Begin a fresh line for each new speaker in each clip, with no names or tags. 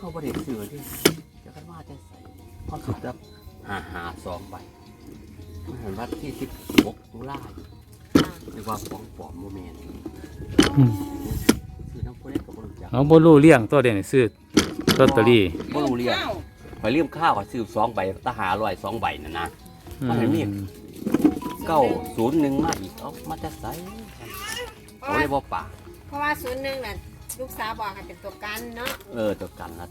เขาบริเสือที่จะกันว่าจะใส่เขาสุดแล้วหา2 ใบมันเห็นว่าที่16 ตุลาเรียกว่าของปลอมโมเมนต์คือน้ำพุเล็กกับบริจาค
เอาบ่รู้เลี้ยงตัวเด่นซื้อลอตเตอรี่
บ่รู้เรียกไปเลี่ยมข้าวก็ซื้อ2 ใบตาหา2 ใบน่ะนะมันเห็นมี901มาอีกเอามาจะใส่เขาเรียกว่าป่า
เพราะว่า01น่ะลูกสาวบอกให้เป็นตัวกันเนาะ
ตัวกันละ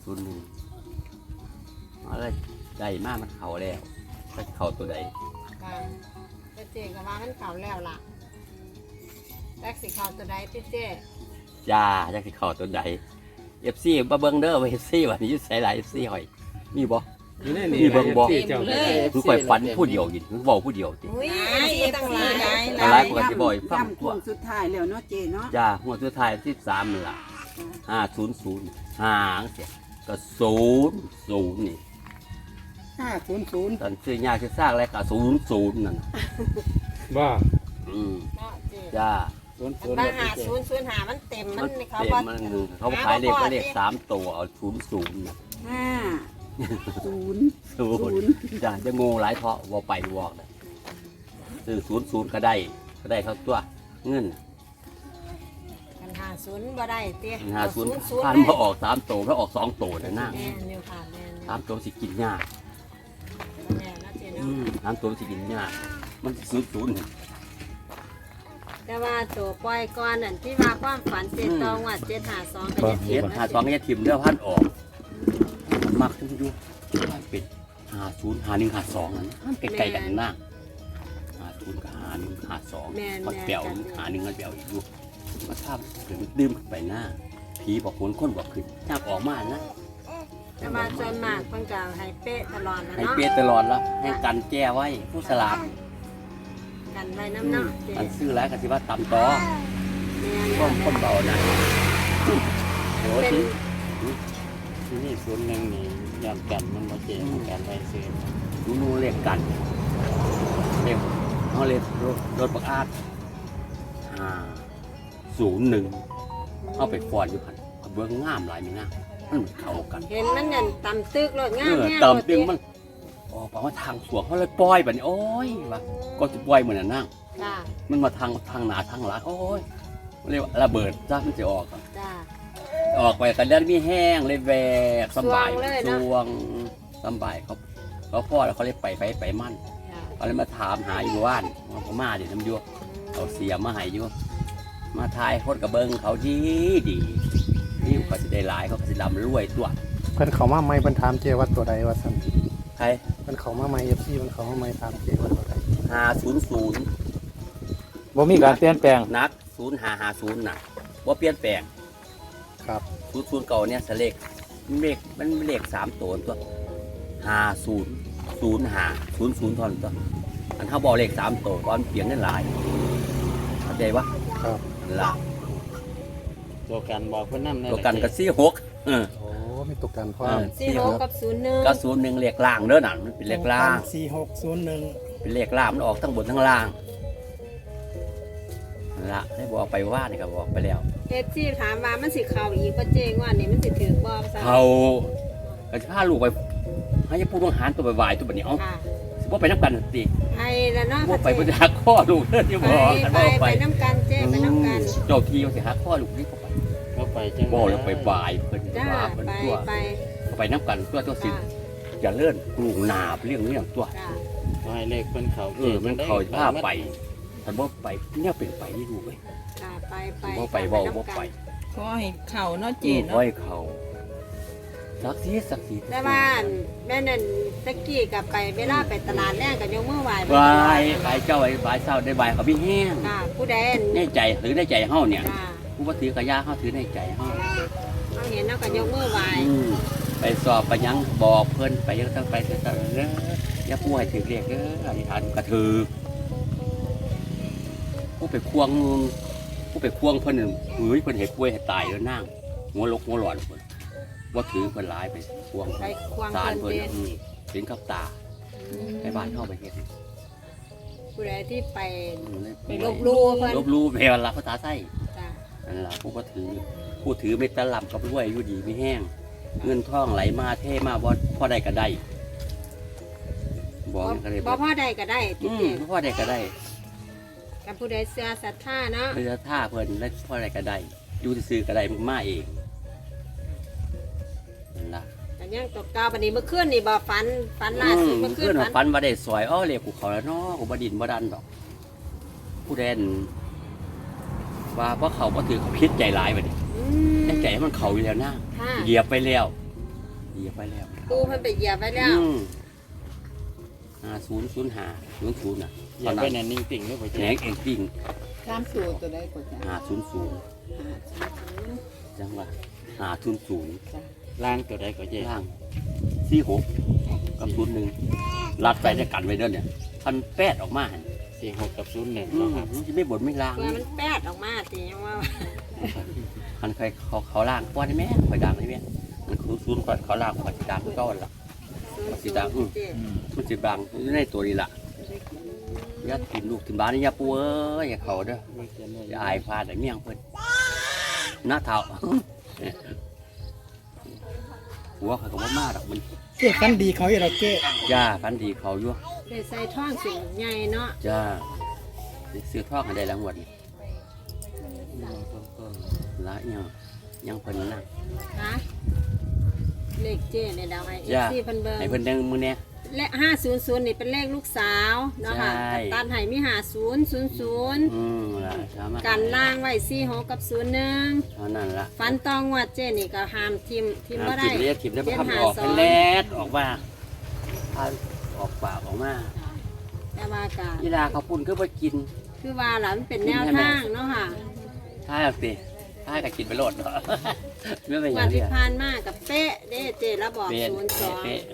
01อะไรได้มากมันเข่าแล้วไปเข่าตัวใด
ค่ะเจ๊ก็ว่ามันเข่าแล้วล่ะแท็กสิเข่าตัวใดเจ๊
จ้าอยากสิเข่าตัวใดFC บ่เบิ่งเด้อว่า FC ว่านี่อยู่ไสหลาย FC หอยมีบ่มีเบิ่งบ่คือข่อยฝันผู้เดียวอยู่คือเว้าผู้เดียวติ
อุ้ยตั้งหล
ายปกติบ่อยฟังตัว
สุดท้ายแล้วเนาะเจ๊เนาะ
จ้าหัวสุดท้าย13นั่นล่ะ500หางเสียก็00นี่
500
ตอนซื้อยากสิสร้างแล้วก็00นั่น
ว่า
จ้า
บาง5005มันเต็มมันเขา
บ่เขาขายเลข3 ตัวเอา00น่ะ0จ้าจะงงหลายเถาะบ่ไปวอกน่ะซื้อ00ก็ได้เท่าตัวเงิน
กัน50บ่ได้เตี้ย
50ผ่านบ่ออก3 ตัวแล้วออก2 ตัวน่ะนะ
แม่นิวค่ะแม่
3 ตัวสิกินยาก
แม่นะเจ๊เนาะ
3 ตัวสิกินยากมัน00
แต่ว่าตัวปล่อยก่อนนั่นที่ว่าความฝันเจ็ดตองว่า752ก็จะ
เทียบ52ก็จะถิ่มเด้อพันออกมักถึงอยู่เป็น50 51 52นั่นมันใกล้ๆกันนะ50กับ51 52มันเปรี้ยว51มันเปรี้ยวอยู่มาทำถึงดื่มไปหน้าผีบอกคนบอกขึ้นยากออกมานะ
แต่ว่าจนมากเพิ่นก็ให้เป๊ะตลอดนะเนาะ
ให้เป๊ะตลอดแล้วให้กันแก้ไว้ผู้สลับ
กันไว้น้ำเนาะ
มันซื้อแล้วก็สิว่าตำต่อคนเบานะ
โหที่นี่01นี่ยามกันมันบ่เจ๊กันไว้ซื้อ
รู้เรียกกันเรียกเขาเรียกรถบักอาด501เอาไปฟอนอยู่พันเบื้องงามหลายมีนะมันเข้ากัน
เห็นมันนั่นตำตึกรถงามแน่
ตำตึกมันออกมาทางสวงเขาเลยปล่อยแบบนี้โอ้ยว่ะก็จะปล่อยเหมือนนั่งมันมาทางหนาทางหลังโอ้ยเรียกระเบิดจ้ามันจะออกออกไปกันแล้วมีแห้งเลยแวกสบายสวงสบายเขาพ่อแล้วเขาเลยไปมั่นเขาเลยมาถามหาอยู่ว่านเขามาดิน้ำยั่วเขาเสียมาหายอยู่มาทายโคตรกระเบิงเขาดีนี่เขาจะได้หลายเขาจะดำรวยตัว
เพิ่นเขามาไม่เพิ่นถามเจว่าตัวใดว่าสั่น
ใคร
เพิ่นเขามาไม่FCเพิ่นเขามาไม่ถามเจว่าตัวใด
500
บ่มีการเปลี่ยนแปลง
นัก0550น่ะบ่เปลี่ยนแปลง
ครับ
00เก่าเนี่ยเลขมันเลข3 ตัว500500ท่อนตัวอันเขาบอกเลข3 ตัวก่อนเปลี่ยนได้หลายเข้าใจปะ
ครับ
ล่ะ
ตัวกันบอกเพิ่นนำ
ตัวกันก็46
โอ้มีตัวกันพร้อม
46กับ01
ก็01เลขล่างเด้อนั่นมันเป็นเลขล่าง
4601
เป็นเลขล่างมันออกทั้งบนทั้งล่างละได้บอกไปว่านี่ก็บอกไปแล้ว
ที่ถามว่ามันสิเข้าอีกบ่เจ๊งว่านี่มันสิถือบ่ซะ
เขาก็สิพาลูกไปให้ผู้ต้องหาตัวบ่ายตัวบัดนี้เอ้าสิบ่ไปนำกันติ
ให้แล้วเนาะ
บ่ไปบ่หักคอลูกเด้อที่บอกกันบ่
ไปนำกันเจ๊ไปนำกัน
เจ้าที่สิหักคอลูกนี่ก็ไป
บ่ไปจัง
บ่แล้วไปบ่ายเพิ่นว่าเพิ่นตัวไปนำกันตัวสิอย่าเลื่อนลูกหนาเรื่องนี้ตัว
ให้เลขเพิ่นเขา
มันเข้าพาไปถ้าบ่ไปเนี่ยเป็นไปนี่ดูเว้ยบ่ไปบ่ไป
ขอให้เข่าเนาะเจ๊เนาะ
ขอให้เขาสักที
แต่ว่าแม่นั่นตะกี้กับไปเวลาไปตลาดแรกกับยกมือไหว้
ไปเจ้าไหว้เศร้าได้ใบเขาพี่แห้ง
ผู้ใด
ในใจถือในใจเฮาเนี่ยผู้ว่าถือกระยาเฮาถือในใจเฮา
เห็นแล้วก็ยกมือไหว้
ไปสอบไปยังบอกเพิ่นไปยังต้องไปเด้ออย่าป่วยถือเรียกเด้ออธิษฐานกระถือผู้ไปควงเพิ่นเฮ้ยเพิ่นเห็ดกล้วยเห็ดตายแล้วนั่งหัวลกหัวหลอนเพิ่นว่าถือเพิ่นหลายไปควงสารเพิ่นถึงกับตาไปบ้านเข้าไปเห็ด
ผู้ใดที่ไปลบลู่เพิ่น
ลบลู่แม่ละภาษาไส้นั่นล่ะผู้ถือไม่ตะลำกับรวยอยู่ดีไม่แห้งเงินทองไหลมาเทมาบ่พอได้ก็ได้บอกก็ได้
บ่พ่อใดก็ได้
อื
พี่เจ๊
มพอได้ก็ได้
กับผู้ใดเสื้อศรัทธาเนาะ
เพื่อท่าเพิ่นแล้วพอได้ก็ได้อยู่ซื่อๆก็ได้มันมาเองนั่นล่ะ
แต่ยังตกเก้าบันนี้เมื่อคืนนี่บ่ฝันล่าสุดเมื่อคื
เพื่อน น
ฝัน
ฝันว่าได้สวยอ้อเรียกกูเขาแล้วเนาะกูบ่ดินบ่ดันดอก ผู้แดนว่าเพราะเขาบ่ถือเขาพิษใจร้ายบัดนี้
อืม
แต่ใจมันเขาอยู่แล้วนะ
ค่ะ
เหยียบไปแล้วเหยียบไปแล้ว
ปูเพิ่นไปเหยียบไว้แล้ว
500500น่ะ
อย่าไปนั่นนิ่งติ่งด้วยพ่อ
แห
เจ๊
งเองปิ้ง
ตามสูตรตัวใดก็จ้ะ
500จังว่า500
ล่างตัวใดก็เจ๊
ล่าง46กับ01รัดไปจะกันไว้เด้อเนี่ยพันแปดออกมาหั่น
46กับ01
อื
เนาะ
ม
ครับ
มันสิไม่บ่นไม่ล้าง
เพื่อมันแป๊ดออกมาติยังว่า
คันเคยเขาล่างป้อนได้ไหมคอยดังได้ไหมมันคือซูนก่อนเขาล่างมันสิดังคือเก่าหั่นล่ะ มันสิดัง
เจ๊
มันสิดังอยู่ในตัวนี้ล่ะอย่าถิ่มลูกถิ่มบ้านนี่อย่าปูเอ้ยอย่าเขาเด้อ
ไม่เขียนเลย
อย่าอายพาแต่เมี่ยงเพิ่นหน้าเท้า หัวเขาก็บ่มาดอกมัน
เจ๊ฟันดีเขาอยู่แล้วเจ๊
จ้าพันดีเขาอยู่
ได้ใส่ท่องสิ่งใหญ่เนาะ
จ้าซื้อทองให้ได้แล้วงวดนี้
ต้น
ละยังเพิ่นนั่ง
ฮะเลขเจ๊ในดาวไอเอ
จ้า
ซีเพิ่นเบิ่ง
ให้เพิ่นดังมื้อเนี้ย
และ500นี่เป็นเลขลูกสาวเนาะค่ะ
ใช่
ตัดให้มี5000
ล่ะสามารถ
กันล่างไว้46กับ01
เท่านั้นล่ะ
ฟันตองวัดเจนี่ก็ห้ามทิมบ่ได้
ถิ่มเลียถิ่มได้บ่ทำออก
752
เป็นแลดออกมาพาออกปากออกมา
แต่ว่าก็
ยีลาเขาปุ่นก็ไปกิน
คือว่าล่ะมันเป็นแนวทางเนาะค่ะ
ท้ายเอาสิท้ายก็กินไปโลดเนาะ ไม่เป็นอ
วั
ย่าน ง
ที่
นี้
ผ่านมากับเป๊ะเด้เจแล้วบอก
เป๊ะ
02
เป๊ะ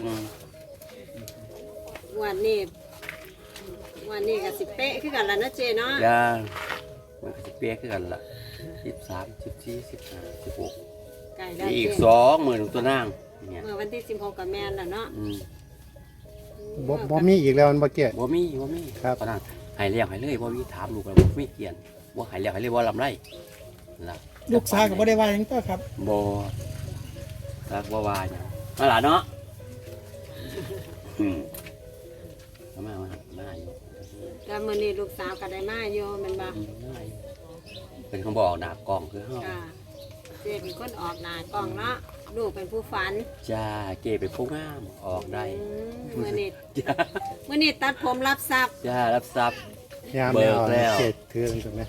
วันนี้ก็สิเป๊ะคือกันแล้วนะเจเนาะ
ย่ามันก็จะเป๊ะขึ้นกันละ13 14 15 16
ไก่ได้
มีอีก
เจ
20,000ตัวนั่งเนี่ย
เมื่อวันที่16กับแม่นแล้วเนาะ
บ่มีอีกแล้วมันบ่เจ๊
บ่มี
ครับ
ตอนนั้นให้เลี้ยงให้เลยบ่มีถามลูกแล้วบ่มีเกียนบ่ให้เลี้ยงให้เลยบ่ลำไรล่ะ
ลูกสาวก็บ่ได้ว่าหยังตัวครับ
บ่รักบ่ว่าหยังมาล่ะเนาะมาอยู่
แล้วมื้อนี้ลูกสาวก็ได้มาอยู่แม่นบ่
เป็นเขาบอกหนากล้องคือเฮา
ค่ะเจเป็นคนออกหน้ากล้องเนาะลูกเป็นผู้ฝัน
จ้าเก๋เป็นผู้งามออกได้
มื้อนี้
จ้า
มื้อนี้ตัดผมรับทรัพย์
จ้ารับทรัพย์
ยาม
เบิ
แล้
ก
ว
แล้ว
เจ๊ถือตรงนี้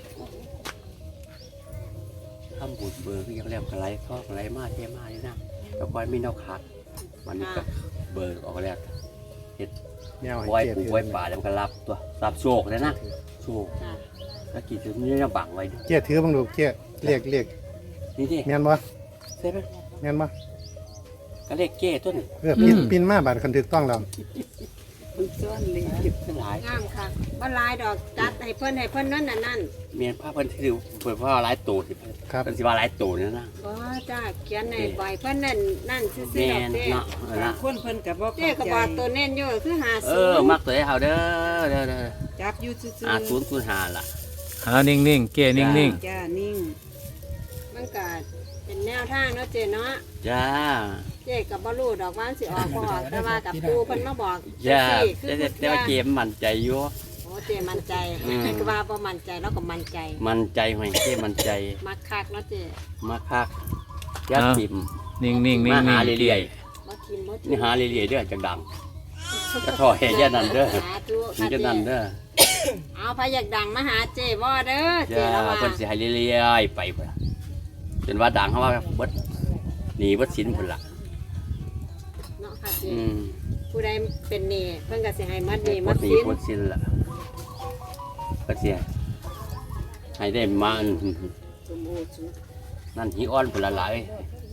ทำบุญเบิกยังแล้วกระไรทอกระไรมาเทมานี่นะแต่ก่อนมีแนวขาดวันนี้ก็เบิกออกแล้วเฮ็ด
แนวให้
ไว้
เจ๊
ปลูก
ถือ
ไว้ป่าแล้วมันก็รับตัวรับโชคเลยนะโชค
ค่ะ
แล้วกี่ตัวนี้ยังบังไว้ดิ
เจ๊ถือบังดูเจ๊เรียก
นี่ดิ
แม่นบ่
ใช่ไหม
แม่นบ่
ก็เลขเก้ต้น
ปินมาบาดคันถูกต้องแล้ว
ส่วนเลย
เป็นหลาย
งามค่ะบ่หลายดอกจัดให้เพิ่นนั่นน่ะนั่น
เมียนผ้าเพิ่นถือเพิ่นว่าหลายตัวสิ
ครับ
เพิ่นสิว่าหลายตัวนี่นะ
บ่จ้าเขียนให้บ่อยเพิ่นนั่นซื่อ
แม่
ๆดอก
น
เด้
เนาะเออนะ
คนเพิ่นกับบ่
เจ๊ก็บอกตัวเน้นอยู่คือ
มักตัวให้เฮาเด้อ
จับอยู่ซื่อ
5005ล่ะ
หานิ่งๆ เก้นิ่ง
ๆจ้านิ่ง
มันก็เป็นแนวทางเนาะเจ๊เนาะ
จ้า
เจ๊ก็บ่รู้ดอกว่าสิออกบ่ออกแต่ว่ากับปูเพิ่นมาบอก
จ้า
จังซี่
แต่ว่าเกมมั่นใจอยู่
โอ้เจ๊มั่นใจ
อืม
ก็ว่าบ่มั่นใจแล้วก็มั่นใจ
มั่นใจหอยเกมมั่นใจ
มักคักเนาะเจ๊
มาคักยัดติ่ม
ๆ นิ่งๆนิ่ง
มาหา
ๆ
เรื่อย
บ่ทิมบ่
ๆ
ทิ
นี่หาเรื่อยๆเด้อจังดังจะท่อแห่ยันนั่นเด้อ
สาธุ
มัน
ค่ะ
จะ
เจ๊
นั่นเด้อ
เอาพาอยากดังมาหาเจ๊บ่เด้อเจ๊
จ้า
แล้วว่า
เพิ่นสิให้เรื่อยๆไปพุ่นล่ะจนว่าดังเขาว่าเบิดหนีเบิดสินพุ่นล่ะ
เนาะค่ะเจ๊
อืม
ผู้ใดเป็นหนี้เพิ่นก็สิให้มัดหนี้
หม
มั
ด
ด
หนี
สิน
หมดสินล่ะก็สิให้ได้มาอัน
สมบูรณ์สุข
นั่นหิอ้อนพุ่นละหลาย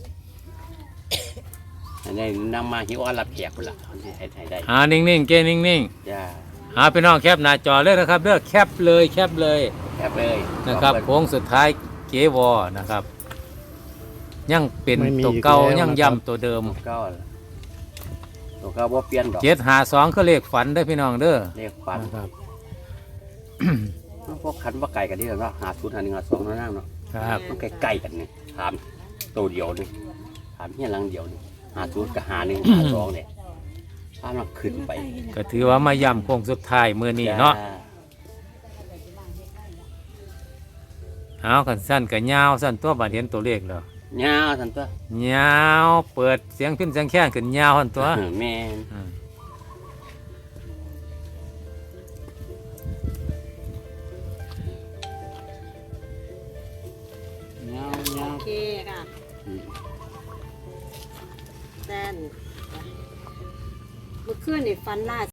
อันนี้นำมาหิอ้อนรับแขกพุ่นล่ะมันสิให้ได้
หานิ่งๆ เก้นิ่ง
จ้า
ๆ หาพี่น้องแคปหน้าจอเลยนะครับเด้อแคปเลยแคปเลย
แคบเลย
นะครับ
ขอ
โค้งสุดท้ายเกวอนะครับ ยังเป็น
ไม่มี
ตัวเก่า
อีกแล้ว
ยัง
นะครับ
ย้ำตัวเดิม
ตัวเก้าล่ะตัวเก้าบ่เปลี่ยนดอก
752ก็เลขฝันเด้อพี่น้องเด้อ
เลขฝัน
นะครับ
พวกขันว่าไก่กันนี่แหละเนาะหาศูนย์หา1 หา2เนาะนั่งเนาะ
ครับ
มันใกล้ๆกันนี่ถามตัวเดียวนี่ามเฮียหลังเดียวนี่50กับ51 52เนี่ยถ้ามันขึ้นไป
ก็ถือว่ามาย่ำโค้งสุดท้ายมื้อนี้เนาะ
จ้
เอากันสั้นกับยาวสั้นตัวบาดเห็นตัวเลขแล้ว
ยาวซั่นตัวย
าวเปิดเสียงพิ้นเสียงแค้นขึ้นยาวหั่นตัว
แม่น
อืม
เงาเงา
โอเคค่ะ
อืม
แซนเมื่อคืนนี่ฟันล่า